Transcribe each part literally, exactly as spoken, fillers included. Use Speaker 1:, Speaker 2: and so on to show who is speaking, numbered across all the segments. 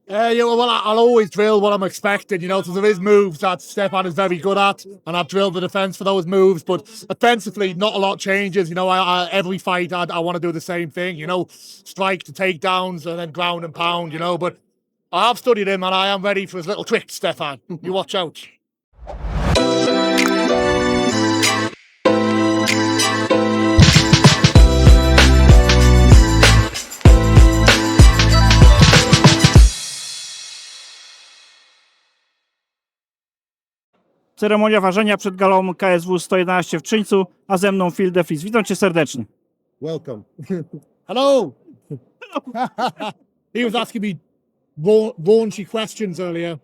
Speaker 1: Uh, yeah, well, I- I'll always drill what I'm expecting, you know, so there is moves that Stefan is very good at, and I've drilled the defence for those moves, but offensively, not a lot changes, you know, I, I, every fight I, I want to do the same thing, you know, strike to takedowns and then ground and pound, you know, but I have studied him and I am ready for his little tricks, Stefan. You watch out.
Speaker 2: Ceremonia ważenia przed galą K S W sto jedenaście w Czyńcu, a ze mną Phil DeFries. Witam cię serdecznie.
Speaker 3: Welcome.
Speaker 1: Hello. He was asking me ra- raunchy questions earlier.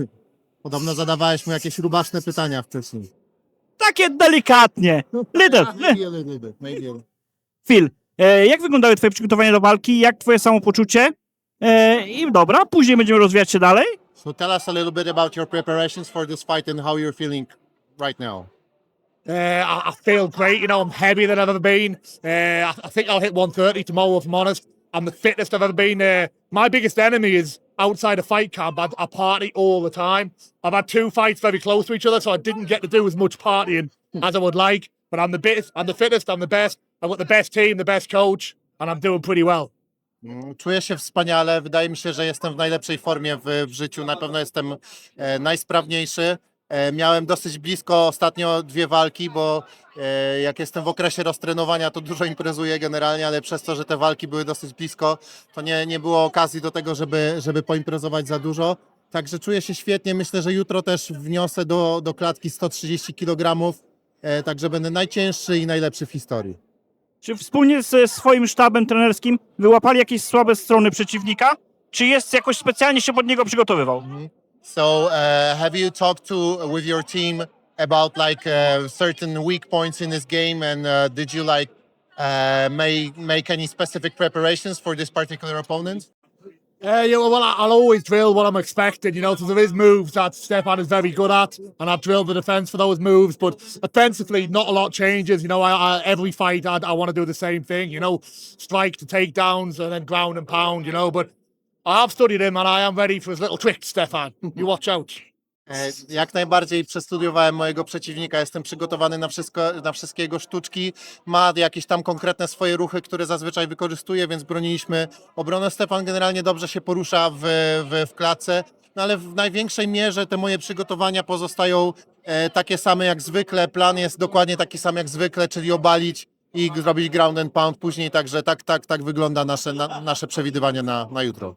Speaker 3: Podobno zadawałeś mu jakieś rubaszne pytania wcześniej.
Speaker 2: Takie delikatnie. Little.
Speaker 3: Maybe a little bit, maybe a little.
Speaker 2: Phil, e, jak wyglądały twoje przygotowania do walki? Jak twoje samopoczucie? E, I dobra, później będziemy rozwijać się dalej.
Speaker 3: So tell us a little bit about your preparations for this fight and how you're feeling right now.
Speaker 1: Uh, I, I feel great. You know, I'm heavier than I've ever been. Uh, I, I think I'll hit one thirty tomorrow, if I'm honest. I'm the fittest I've ever been. Uh, my biggest enemy is outside a fight camp. I, I party all the time. I've had two fights very close to each other, so I didn't get to do as much partying as I would like. But I'm the biggest, I'm the fittest, I'm the best. I've got the best team, the best coach, and I'm doing pretty well.
Speaker 3: Mm, Czuję się wspaniale. Wydaje mi się, że jestem w najlepszej formie w, w życiu. Na pewno jestem e, najsprawniejszy. E, miałem dosyć blisko ostatnio dwie walki, bo e, jak jestem w okresie roztrenowania, to dużo imprezuję generalnie, ale przez to, że te walki były dosyć blisko, to nie, nie było okazji do tego, żeby, żeby poimprezować za dużo. Także czuję się świetnie. Myślę, że jutro też wniosę do, do klatki sto trzydzieści kilogramów. E, także będę najcięższy i najlepszy w historii.
Speaker 2: Czy wspólnie ze swoim sztabem trenerskim wyłapali jakieś słabe strony przeciwnika? Czy jest jakoś specjalnie się pod niego przygotowywał?
Speaker 3: So, uh, have you talked to with your team about like uh, certain weak points in this game, and uh, did you like uh, make make any specific preparations for this particular opponent?
Speaker 1: Uh, yeah, well, I- I'll always drill what I'm expecting, you know, so there is moves that Stefan is very good at, and I've drilled the defence for those moves, but offensively, not a lot changes, you know, I, I, every fight I, I want to do the same thing, you know, strike to takedowns and then ground and pound, you know, but I have studied him and I am ready for his little tricks, Stefan. You watch out.
Speaker 3: E, Jak najbardziej przestudiowałem mojego przeciwnika, jestem przygotowany na wszystko, na wszystkie jego sztuczki. Ma jakieś tam konkretne swoje ruchy, które zazwyczaj wykorzystuje, więc broniliśmy obronę. Stefan generalnie dobrze się porusza w, w, w klatce, no ale w największej mierze te moje przygotowania pozostają e, takie same jak zwykle. Plan jest dokładnie taki sam jak zwykle, czyli obalić i zrobić ground and pound później, także tak, tak, tak wygląda nasze, na, nasze przewidywanie na, na jutro.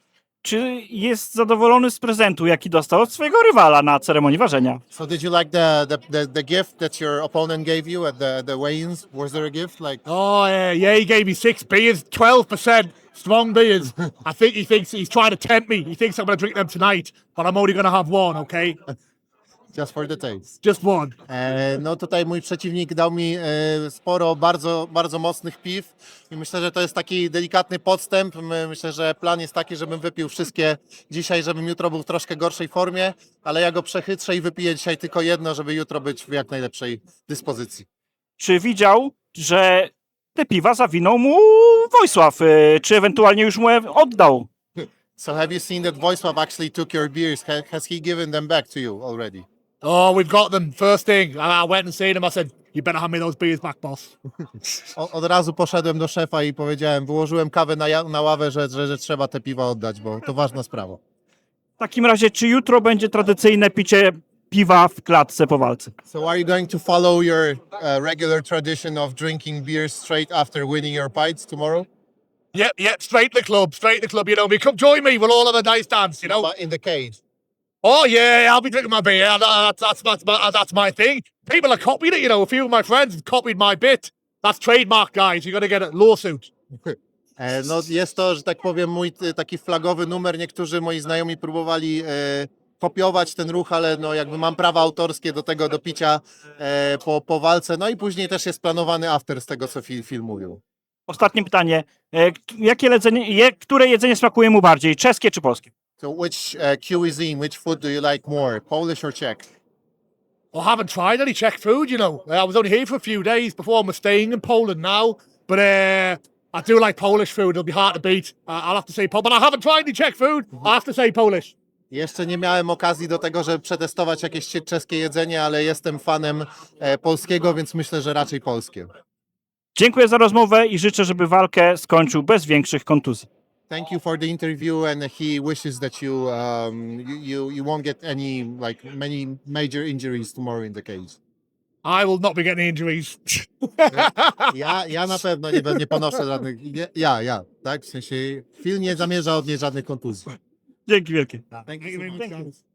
Speaker 2: Czy jest zadowolony z prezentu, jaki dostał od swojego rywala na ceremonii ważenia?
Speaker 3: So did you like the, the, the, the gift that your opponent gave you at the, the weigh-ins? Was there a gift? Like
Speaker 1: Oh, yeah, yeah, he gave me six beers, twelve percent strong beers. I think he thinks he's trying to tempt me. He thinks I'm going to drink them tonight, but I'm only going to have one, okay?
Speaker 3: just for the taste.
Speaker 1: Just one.
Speaker 3: E, no tutaj mój przeciwnik dał mi e, sporo bardzo, bardzo mocnych piw i myślę, że to jest taki delikatny podstęp. My, myślę, że plan jest taki, żebym wypił wszystkie dzisiaj, żebym jutro był w troszkę gorszej formie, ale ja go przechytrzę i wypiję dzisiaj tylko jedno, żeby jutro być w jak najlepszej dyspozycji.
Speaker 2: Czy widział, że te piwa zawinął mu Wojsław? y, Czy ewentualnie już mu je oddał?
Speaker 3: So have you seen that Wojsław actually took your beers? Ha, has he given them back to you already?
Speaker 1: Oh, we've got them. First thing, I I went and seen him. I said, you better hand me those beers back, boss.
Speaker 3: O, od razu poszedłem do szefa i powiedziałem, wyłożyłem kawę na, ja- na ławę, że, że, że trzeba te piwa oddać, bo to ważna sprawa.
Speaker 2: W takim razie, czy jutro będzie tradycyjne picie piwa w klatce po walce?
Speaker 3: So are you going to follow your uh, regular tradition of drinking beer straight after winning your fights tomorrow?
Speaker 1: Yep, yep, straight to the club, straight to the club, you know me. Come join me, we'll all have a nice dance, you know.
Speaker 3: But in the cage.
Speaker 1: Oh, yeah, I'll be drinking my beer. That- That's, that's, my, that's my thing. People are copying it, you know. A few of my friends have copied my bit. That's trademark, guys. You got to get a lawsuit.
Speaker 3: E, no jest to, że tak powiem, mój t- taki flagowy numer. Niektórzy moi znajomi próbowali e, kopiować ten ruch, ale no jakby mam prawa autorskie do tego, do picia e, po, po walce. No i później też jest planowany after z tego, co Phil, Phil mówił.
Speaker 2: Ostatnie pytanie. E, k- Jakie jedzenie, je, które jedzenie smakuje mu bardziej? Czeskie czy polskie?
Speaker 3: So which uh, cuisine, which food do you like more, Polish or Czech?
Speaker 1: I haven't tried any Czech food, you know. I was only here for a few days before I'm staying in Poland now. But uh, I do like Polish food. It'll be hard to beat. Uh, I'll have to say, Pol- but I haven't tried any Czech food. I have to say Polish.
Speaker 3: Jeszcze nie miałem okazji do tego, żeby przetestować jakieś czeskie jedzenie, ale jestem fanem e, polskiego, więc myślę, że raczej polskie.
Speaker 2: Dziękuję za rozmowę i życzę, żeby walkę skończył bez większych kontuzji.
Speaker 3: Thank you for the interview, and he wishes that you um, you, you you won't get any like many major injuries tomorrow in the cage.
Speaker 1: I will not be getting injuries.
Speaker 3: Ja, ja na pewno nie, nie ponoszę żadnych. Nie, ja, ja, tak? W sensie Phil nie zamierza odnieść żadnych kontuzji.
Speaker 2: Dzięki wielkie.
Speaker 3: Thank
Speaker 1: Thank you very much, guys.